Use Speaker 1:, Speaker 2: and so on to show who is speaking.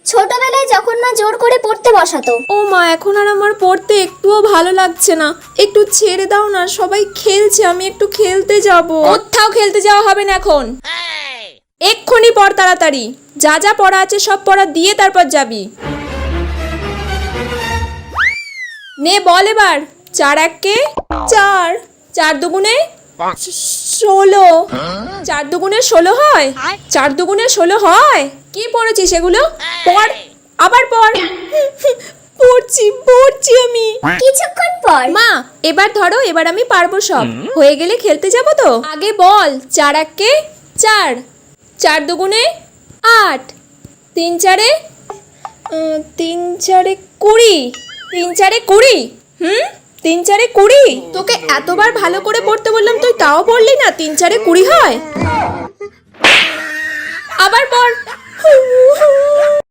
Speaker 1: ছোটবেলায় যখন মা জোর করে পড়তে বসাতো।
Speaker 2: ও মা, এখন আর আমার পড়তে একটুও ভালো লাগছে না, একটু ছেড়ে দাও না, সবাই খেলছে, আমি একটু খেলতে যাব। কোথাও খেলতে যাওয়া হবে না এখন, এক্ষুনি পড় তাড়াতাড়ি, যা যা পড়া আছে সব পড়া দিয়ে তারপর যাবি। নে বল এবার। 4 1 4, 4 দুগুণে 16, 4 দুগুণে 16 হয়, 4 দুগুণে 16 হয়। কি পড়েছিস এগুলো? পড়, আবার পড়। পড়ছি আমি।
Speaker 1: কিছুক্ষণ পর
Speaker 2: মা এবার ধরো, এবার আমি পারবো সব, হয়ে গেলে খেলতে যাব তো। আগে বল। 4 1 4, 4 দুগুণে 8, 3 4 3 4 20, 3 4 20। 3 4 20। তোকে এতবার ভালো করে পড়তে বললাম, তুই তাও পড়লি না। 3 4 20 হয়। আবার পড়।